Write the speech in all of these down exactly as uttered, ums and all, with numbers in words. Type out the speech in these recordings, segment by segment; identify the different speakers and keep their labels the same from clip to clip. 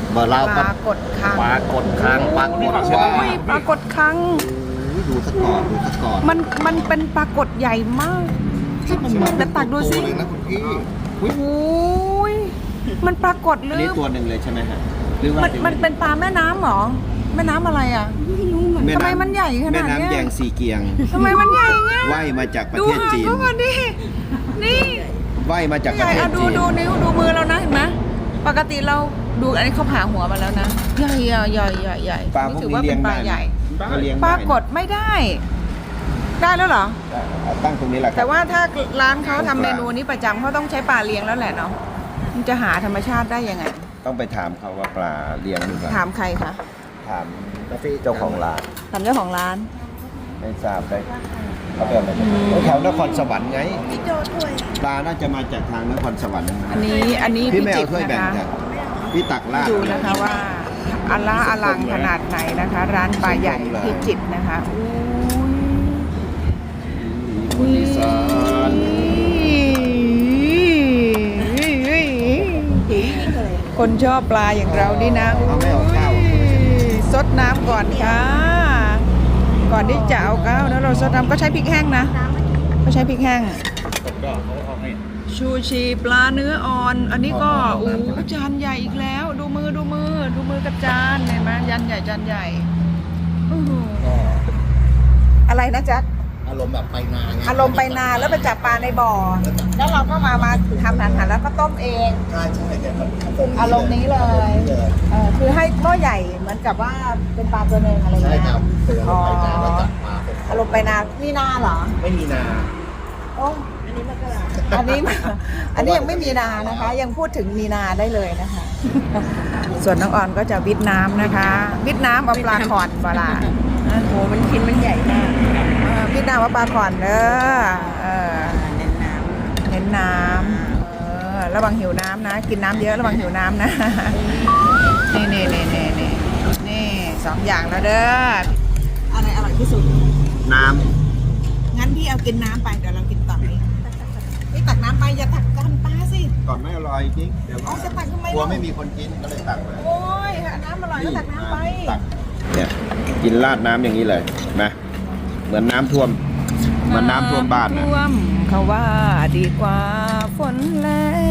Speaker 1: เบอร์เรา
Speaker 2: ป
Speaker 1: ก็
Speaker 2: ลากดคัง
Speaker 1: ปลากดคางปลากดว่า
Speaker 2: โอ้ยปลากดคัง
Speaker 1: ดูสก่อนดูสก่อน
Speaker 2: มันมันเป็นปลากดใหญ่มากแต่ตักดูสิ
Speaker 1: ตัวเลยนะคุณพี่
Speaker 2: โอ้ยมันปลากดห
Speaker 1: อั
Speaker 2: รื
Speaker 1: น
Speaker 2: อ
Speaker 1: นี้ตัวหนึ่งเลยใช่ไหมฮะหรือว่า
Speaker 2: มันมันเป็นปลาแม่น้ำเหรอแม่น้ำอะไรอ่ะ
Speaker 1: แน้ำ
Speaker 2: ทำไมมันใหญ่ขนาดเนี้ย
Speaker 1: แม่น้ำแยงสีเกียง
Speaker 2: ทำไมมันใหญ่เงี้ย
Speaker 1: ว่ายมาจากประ
Speaker 2: ดู
Speaker 1: เทศ
Speaker 2: หาง
Speaker 1: จีน
Speaker 2: เขาก่อนดินี่
Speaker 1: ว่ายมาจากประ
Speaker 2: ใหญ่
Speaker 1: เทศ
Speaker 2: อะดู
Speaker 1: จีน
Speaker 2: ดูนิ้วดูมือเรานะเห็นไหมปกติเราดูอันนี้เขาผ่าหัวมาแล้วนะใหญ่อะใหญ่ใหญ่ใหญ่
Speaker 1: ปลาพวก
Speaker 2: ถือ
Speaker 1: นี้
Speaker 2: ว่า
Speaker 1: เลี้
Speaker 2: เป็
Speaker 1: ยง
Speaker 2: นป
Speaker 1: ได้
Speaker 2: ลาใหญ่
Speaker 1: ก็เลี้ยง
Speaker 2: ป
Speaker 1: ได้
Speaker 2: ลากดไม่ได้ ได้แล้วเหรอ
Speaker 1: เอาตั้งตรงนี้แหละครับ
Speaker 2: แต่ว่าถ้าร้านเขาทำเมนูนี้ประจำเขาต้องใช้ปลาเลี้ยงแล้วแหละเนาะมันจะหาธรรมชาติได้ยังไง
Speaker 1: ต้องไปถามเขาว่าปลาเลี้ยงหรือเปล่า
Speaker 2: ถามใครคะ
Speaker 1: ถามเจ้าของร้าน
Speaker 2: ถามเจ้าของร้าน
Speaker 1: ไม่ทราบได้เขาเป็นอะไรกันแถวนครสวรรค์ไงปลาน่าจะมาจากทางนครสวรรค์นะ
Speaker 2: อันนี้อันนี้
Speaker 1: พี่
Speaker 2: พิ
Speaker 1: ไม่
Speaker 2: จิ
Speaker 1: เอา
Speaker 2: ตร
Speaker 1: ถ้วย
Speaker 2: นะ
Speaker 1: แบ่ง
Speaker 2: คะ
Speaker 1: จ้ะพี่ตักลาด
Speaker 2: ดูนะคะว่าอลาอลังขนาดไหนนะคะ ร้านปลาใหญ่พิจิตรนะคะอุ้ย
Speaker 1: คนอีสาน
Speaker 2: คนชอบปลาอย่างเรานี่นะ
Speaker 1: เอาไม่เอาข้าว
Speaker 2: ซดน้ำก่อนค่ะ ก่อนที่จะเอาข้าวนะเราซดน้ำก็ใช้พริกแห้งนะก็ใช้พริกแห้งชูชีปลาเนื้ออ่อน อันนี้ก็โอ้จานใหญ่อีกแล้ว ดูมือดูมือ ดูมือกับจานเห็นไหมจานใหญ่จานใหญ่อื้อหืออะไรนะจ๊ะ
Speaker 1: อารมณ์แบบไปนาไง
Speaker 2: อารมณ์ไปนาแล้วไปจับปลาในบ่อ แล้วเราก็มามาทำอาหารแล้วก็ต้มเอง
Speaker 1: ใช่ใช่แต่มัน
Speaker 2: อารมณ์นี้เลยเออคือให้หม้อใหญ่เหมือนกับว่าเป็นปลาตัวหนึ่งอะไรอย่าง
Speaker 1: ใช่
Speaker 2: เงี้ย
Speaker 1: ครับคืออารมณ์ไปนาแล้วจับปลา
Speaker 2: อารมณ์ไปนานี่นาเหรอ
Speaker 1: ไม่มีนา
Speaker 2: โอ้อันนี้มันก็อันนี้อันนี้ยังไม่มีนานะคะ ยังพูดถึงมีนาได้เลยนะคะ ส่วนน้องอ่อนก็จะวิทน้ำนะคะ วิทน้ำเอาปลาขอนปลาโอ้โหมันชิ้นมันใหญ่มากเออวิทน้ำเอาปลาขอนเด้อเออเน้นน้ำเน้นน้ำเออระวังหิวน้ำนะ กินน้ำเยอะระวังหิวน้ำนะ นี่นี่นี่นี่นี่นี่สองอย่างแล้วเด้ออะไรอร่อยที่สุด
Speaker 1: น้
Speaker 2: งั้นพี่เอากินน้ำไปเดี๋ยวเรากินต่อเองพี่ตักน้ำไปอย่าตักกันปลาสิ
Speaker 1: ำก่อนไม่อร่อยจริงเดี๋ยว
Speaker 2: เอาจะตักทำไม
Speaker 1: กลัว
Speaker 2: ล่ะ
Speaker 1: ไม่มีคนกินก็เลยตักมา
Speaker 2: โอ้ยหาน้ำอร่อยก็ตักน้ำไป
Speaker 1: ตักเนี่ยกินราดน้ำอย่างนี้เลยนะเหมือนน้ำท่วมเหมือนน้ำท่วมบ้านนะ
Speaker 2: ท่วมเขาว่าดีกว่าฝนแรง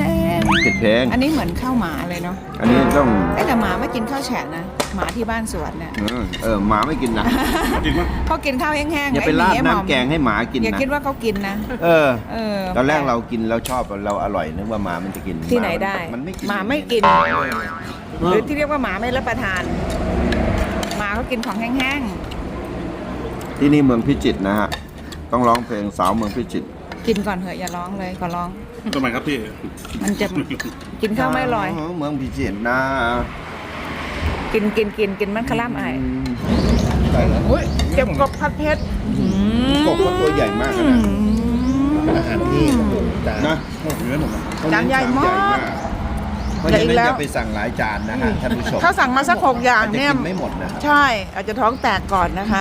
Speaker 1: ผิดเพลง
Speaker 2: อันนี้เหมือนข้าวหมาเลยเนาะ
Speaker 1: อันนี้ต้อง
Speaker 2: ไอ้แต่หมาไม่กินข้าวแฉะนะหมาที่บ้านสวนเนี่ย
Speaker 1: เออเออหมาไม่กินนะ
Speaker 2: เขากินข้าวแห้งๆ
Speaker 1: อย่าไป
Speaker 2: อ้ห
Speaker 1: ราด
Speaker 2: ไอ้หม่อม
Speaker 1: น้ำแกงให้หมากิน
Speaker 2: อย่า
Speaker 1: นะ
Speaker 2: คิดว่าเขากินนะ
Speaker 1: เออ
Speaker 2: เออ
Speaker 1: ตอนแรกเรากินแล้วชอบเราอร่อยนึกว่าหมามันจะกิน
Speaker 2: ที่ไหนได้
Speaker 1: มันไม่กิน
Speaker 2: หมาไม่กิน หรือที่เรียกว่าหมาไม่รับประทานหมาเขากินของแห้ง
Speaker 1: ที่นี่เมืองพิจิตรนะฮะต้องร้องเพลงสาวเมืองพิจิตร
Speaker 2: ๆกินก่อนเถอะอย่าร้องเลยขอร้อง
Speaker 3: ทำไมครับพี่
Speaker 2: มันจะกินข้าวไม่อร่อย
Speaker 1: เมืองพิจิตรนะ
Speaker 2: กินกินกินกินมันคล่ำไอ้
Speaker 1: ใช่แล้ว
Speaker 2: อุ้ยเก็บกบผัดเผ็ด
Speaker 1: กบก็ตัวใหญ่มากนะ อาหารที่จาน
Speaker 3: นะโอ้โหเนื้อหนุ่ม
Speaker 2: จานใหญ่มาก
Speaker 1: เพราะฉะนั้นอย่าไปสั่งหลายจานนะฮะท่านผู้ชม
Speaker 2: ถ้าสั่งมาสักหกอย่าง
Speaker 1: อาจจะ
Speaker 2: เนี่ย
Speaker 1: กินไม่หมดนะครับ
Speaker 2: ใช่อาจจะท้องแตกก่อนนะคะ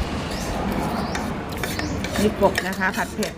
Speaker 2: นี่กบนะคะผัดเผ็ด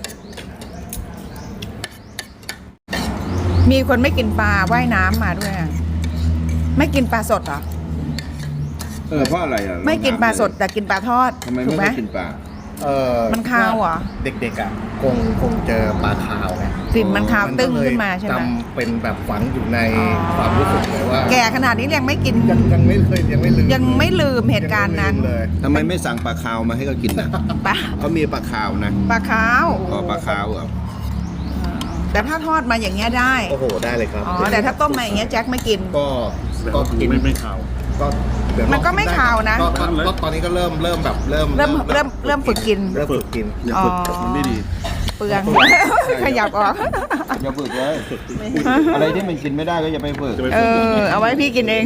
Speaker 2: มีคนไม่กินปลาว่ายน้ำมาด้วยอะไม่กินปลาสดเหรอ
Speaker 1: เออเพราะอะไรอ่ะ
Speaker 2: ไม่กินปลาสดแต่กินปลาทอด
Speaker 1: ทำไม
Speaker 2: ถู
Speaker 1: ไม่
Speaker 2: กไหม
Speaker 1: ไม่กินปลา
Speaker 4: เออ
Speaker 2: มันคาวเหรอ
Speaker 4: เด็กๆอ่ะคงคงเจอปลาคาวไง
Speaker 2: กลิ่นมันคาวตึ้ง
Speaker 4: ก็เลย
Speaker 2: ขึ้นมาใช่ไหม
Speaker 4: จำเป็นแบบฝังอยู่ใน
Speaker 2: อ๋อ
Speaker 4: ความรู้สึกเลยว่า
Speaker 2: แก่ขนาดนี้ยังไม่กิน
Speaker 4: ยังยังไม่เคยยังไม่ลืม
Speaker 2: ยังไม่ลืมเหตุการณ์นั้น
Speaker 4: ยังไม่ลืมเลย
Speaker 1: ทำไมไม่สั่งปลาคาวมาให้เขากินนะ
Speaker 2: ปลา
Speaker 1: เขามีปลาคาวนะ
Speaker 2: ปลาขาว
Speaker 1: อ๋อปลาคาวเหรอ
Speaker 2: แต่ถ้าทอดมาอย่างเงี้ยได้
Speaker 4: โอ้โหได้เลยครับ
Speaker 2: อ๋อ แต่ถ้าต้มมาอย่างเงี้ยแจ็คไม่กิน
Speaker 4: ก็ก็กิน
Speaker 3: ไม่ไม่ขาว
Speaker 4: ก็เดี๋ยว
Speaker 2: มันก็ไม่คาวนะ
Speaker 4: ก็ก็ก็ตอนนี้ก็เริ่มเริ่มแบบเริ่ม
Speaker 2: เริ่มเริ่มเริ่มฝึกกิน
Speaker 4: เริ่มฝึกกิน
Speaker 3: อย่าฝึก
Speaker 2: อ๋อ
Speaker 3: มันไม่ดี
Speaker 2: เปลือง ขยับออก
Speaker 1: อย่าฝึกเลยอะไรที่มันกินไม่ได้ก็อย่าไปฝึก
Speaker 3: จะไป
Speaker 2: เอ
Speaker 3: ฝึก
Speaker 2: อ เอาไว้พี่กินเอง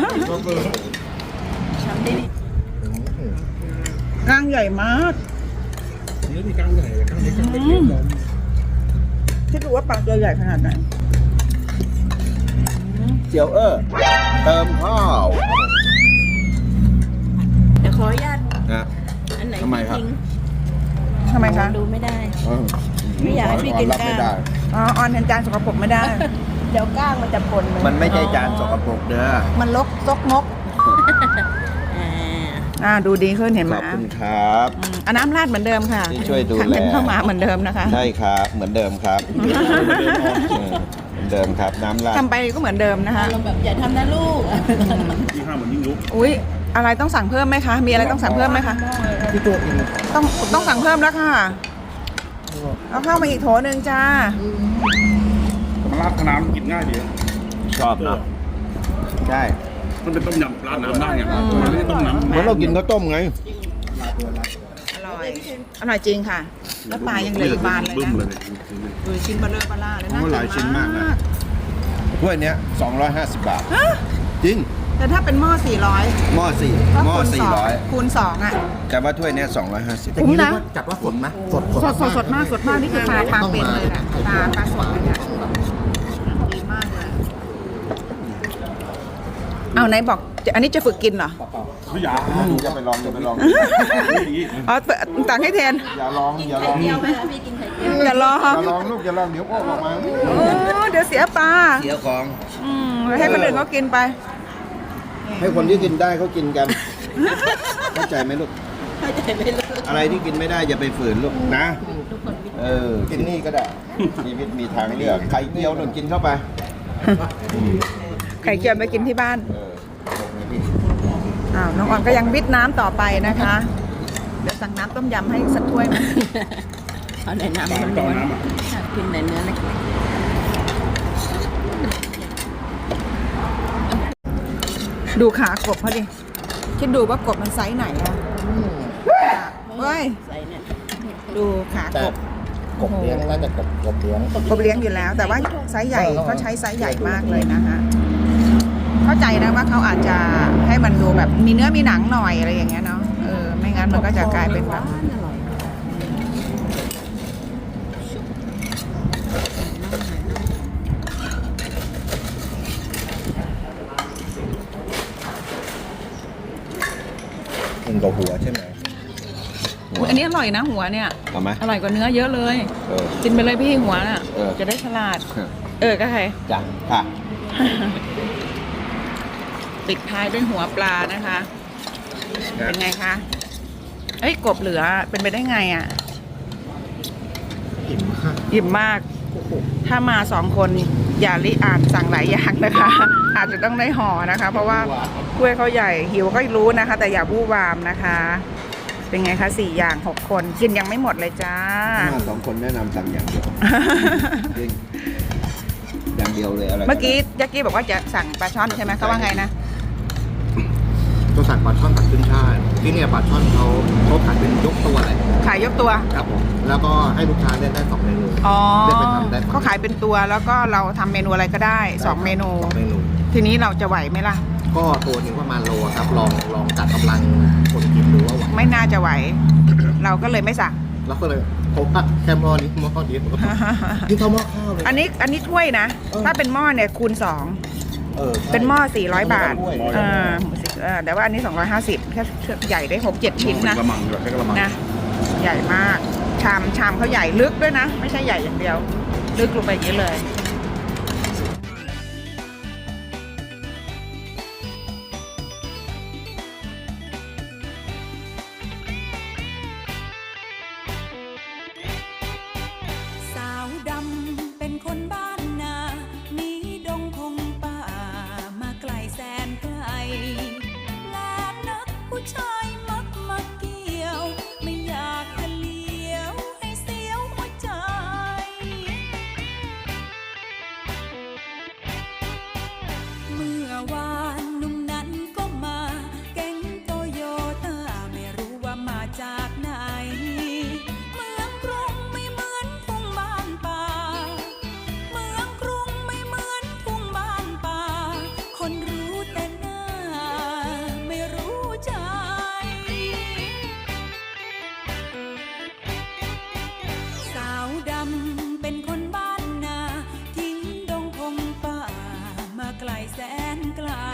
Speaker 2: ก้างใหญ่มาก
Speaker 3: เนื้อมีกล้างใหญ่กล้างเล็กกล้างเล็กเล็ก
Speaker 2: คิดดูว่าปลาตัวใหญ่ขนาดไหน
Speaker 1: เจียวเออเติมข้าว
Speaker 5: เดี๋ยวขออนุญาต
Speaker 1: นะ
Speaker 5: อันไหน
Speaker 1: ทำไมครับ
Speaker 5: ทิ้ง
Speaker 2: ทำไมคะ
Speaker 5: ดูไม่ได้
Speaker 1: เออ
Speaker 5: ไม่อยากให้พี่กิน
Speaker 1: รับไม่
Speaker 5: กล้าง
Speaker 1: ได้
Speaker 2: อ๋อออนเห็นจานสกปรกไม่ได้เดี๋ยวก้างมันจะปนเลย
Speaker 1: มันไม่ใช่จานสกปรกเด้อ
Speaker 2: มันลกซกมกอ่าดูดีขึ้นเห็นไหม
Speaker 1: ขอบคุณครับ
Speaker 2: อืมเอาน้ำราดเหมือนเดิมค่ะ
Speaker 1: ที่ช่วยดูแล
Speaker 2: ขันกันเข้ามาเหมือนเดิมนะคะ
Speaker 1: ใช่ครับเหมือนเดิมครับเออเหมือนเดิมครับน้ำราด
Speaker 2: ทำไปก็เหมือนเดิมนะคะ
Speaker 5: อารมณ์แบบอย่าทำนะลูก
Speaker 3: ยี่ห้าเหมือนยิ่งยุบ
Speaker 2: อุ๊ยอะไรต้องสั่งเพิ่มไหมคะ มีอะไรต้องสั่งเพิ่มไหมคะ
Speaker 4: พี่ตัวกิน
Speaker 2: ต้องต้องสั่งเพิ่มแล้วค่ะเอาเข้ามาอีกโถหนึ่งจ้า
Speaker 3: มันราดน้ำกินง่ายดี
Speaker 1: ชอบเนาะใช่
Speaker 3: มันเป็นต้มยำราดน้ำได้ไงมันไม่ใช่ต้มน้ำ
Speaker 1: เหมือนเรากินข้าวต้มไง
Speaker 2: อร่อยอร่อยจริงค่ะ แล้วปลายังเหลืออีกบานเลย
Speaker 3: บึ้ม
Speaker 2: นะ
Speaker 3: เลย
Speaker 2: ดูชิ้นเบลเลอร์ปลาล่าเลย
Speaker 1: โอ้
Speaker 2: นะ
Speaker 1: หลายชิ้นมากนะถ้วยเนี้ยสองร้อยห้าสิบบาท
Speaker 2: ฮะ
Speaker 1: จริง
Speaker 2: แต่ถ้าเป็นหม้อสี่ร้อย
Speaker 1: หม้อสี่
Speaker 2: ก็
Speaker 1: หม้อ
Speaker 2: คูณ
Speaker 1: สี่
Speaker 2: สอง
Speaker 1: ร้อย
Speaker 2: คูณสองอ่ะ
Speaker 1: แต่ว่าถ้วยเนี้ยสองร้อยห้าสิบ
Speaker 2: คุ้มนะ
Speaker 4: จัดว่าสดไหมสด
Speaker 2: สดสดสดมากสดมากนี่คือปลาปลาเป็นเลยนะปลาปลาสดเลยเนี่ยดีมากเลยเอาไหนบอกอันนี้จะฝึกกินเหรอ
Speaker 3: ไม่อยาก
Speaker 1: อย่าไปลองอย่าไปลอง
Speaker 3: ไม่ดี
Speaker 2: อ๋อต่างให้แทน
Speaker 1: อย่าลองอย่าลอง
Speaker 5: เจียวไหมคะพี่กินไข่เจียว
Speaker 2: อย่าลอ
Speaker 1: อง ย่าลองลูกอย่าลองเดี๋ยวอ้วกออกมา
Speaker 2: โอ้เดี๋ยวเสียปลา
Speaker 1: เสียของ
Speaker 2: อืมให้คนอื่นเขากินไป
Speaker 1: ให้คนที่กินได้เขากินกันเข้าใจไหมลูก
Speaker 5: เข้าใจไหมลูก
Speaker 1: อะไรที่กินไม่ได้อย่าไปฝืนลูกนะ เออ กินนี่ก็ได้ชีวิตมีทางเลือกไข่เจียวหนึ่งกินเข้าไป
Speaker 2: ไข่เจียวไปกินที่บ้าน
Speaker 1: เออลงเลยพี่
Speaker 2: อ้าวน้องออนก็ยังวิทน้ำต่อไปนะคะ เดี๋ยวสั่งน้ำต้มยำให้สักถ้วยไหม
Speaker 5: เอาในน้ำ
Speaker 3: ตอน
Speaker 5: มัน
Speaker 3: ตอน
Speaker 5: ล้วน
Speaker 3: น้ำอ่ะ
Speaker 5: กินในเนื้อเล็ก
Speaker 2: ดูขากบเขาดิ คิดดูว่ากบมันไซส์ไหนอะเฮ้ย
Speaker 5: ๆใส่เนี่ย
Speaker 2: ดูขากบ
Speaker 4: กบเลี้ยงน่าจะกบกบเลี้ยง
Speaker 2: กบเลี้ยงอยู่แล้ว แต่ว่าไซส์ใหญ่เขาใช้ไซส์ใหญ่มากเลยนะคะ เข้าใจนะว่าเขาอาจจะให้มันดูแบบมีเนื้อมีหนังหน่อยอะไรอย่างเงี้ยเนาะ เออ ไม่งั้นมันก็จะกลายเป็นแบบ
Speaker 5: อร่อย
Speaker 4: กินกับหัวใช่ไหม
Speaker 2: อุ๊ยอันนี้อร่อยนะหัวเนี่ย
Speaker 1: เอาไหม
Speaker 2: อร่อยกว่าเนื้อเยอะเลย
Speaker 1: เออ
Speaker 2: กินไปเลยพี่หัวน่ะ
Speaker 1: เออ
Speaker 2: จะได้ฉลาด เออก็ใคร
Speaker 1: จ้ะค่ะ
Speaker 2: ปิดท้ายด้วยหัวปลานะคะ เป็นไงคะ เอ้ยกบเหลือเป็นไปได้ไงอ่ะ
Speaker 4: อิ่มมาก
Speaker 2: อิ่มมาก ถ้ามาสองคนอย่าลิอ่านสั่งหลายอย่างนะคะ อาจจะต้องได้ห่อนะคะ เพราะว่าถ้วยเขาใหญ่หิวก็รู้นะคะ แต่อย่าวู่วามนะคะ เป็นไงคะสี่อย่างหกคนกินยังไม่หมดเลยจ้า
Speaker 1: มาสองคนแนะนำสั่งอย่างเดียวจริงอย่างเดียวเลยอะไร
Speaker 2: เมื่อกี้ยักกี้บอกว่าจะสั่งปลาช่อนใช่ไหมเขาว่าไงนะ
Speaker 4: ตัวสั่งปลาช่อนตัดขึ้นช่ายที่เนี่ยปลาช่อนเขาเขาขายเป็นยกตัวเลย
Speaker 2: ขายยกตัว
Speaker 4: ครับผมแล้วก็ให้ลูกค้าเลือกได้สองเมนู
Speaker 2: อ๋อ
Speaker 4: เลือกไปทำได้
Speaker 2: เขาขายเป็นตัวแล้วก็เราทำเมนูอะไรก็ได้สองเมนู
Speaker 4: สองเมนู
Speaker 2: ทีนี้เราจะไหวไหมล่ะ
Speaker 4: ก็ตัวหนึงประมาณโลครับลองลองจัดกำลังคนกินดูว่าไหว
Speaker 2: ไม่น่าจะไหว เราก็เลยไม่สั่ง
Speaker 4: แล้วก็เลยผมว่าแค่หม้อนี้หม้อเดียวกินข้าวหม้อข้าวเลย
Speaker 2: อันนี้อันนี้ถ้วยนะ ถ้าเป็นหม้อเนี่ยคูณสอง
Speaker 4: เออใช่
Speaker 2: เป็นหม้อสี่ร้อยบาท
Speaker 4: ถ้วย
Speaker 2: เออเออแต่ว่าอันนี้สองร้อยห้าสิบแค่ใหญ่ได้หกเจ็ดชิ้นนะ
Speaker 3: กระมังด้วยใช้กระมัง
Speaker 2: นะ ใหญ่มาก ชามชามเขาใหญ่ลึกด้วยนะ ไม่ใช่ใหญ่อย่างเดียว ลึกลงไปอย่างนี้เลย
Speaker 6: สาวดำเป็นคนบ้านนาหนีดงพงป่ามาไกลแสนไกลแปลกนักผู้ชายมักมาเกี่ยว ไม่อยากจะเลี้ยวให้เสียวหัวใจ เมื่อวานหนุ่มนั้นก็มาแก๊งโตโยต้าไม่รู้ว่ามาจากไหน เมืองกรุงไม่เหมือนทุ่งบ้านป่า เมืองกรุงไม่เหมือนทุ่งบ้านป่า คนรู้แต่หน้าไม่รู้ใจ สาวดำเป็นคนบ้านนาทิ้งดงพงป่ามาไกลแสนไกล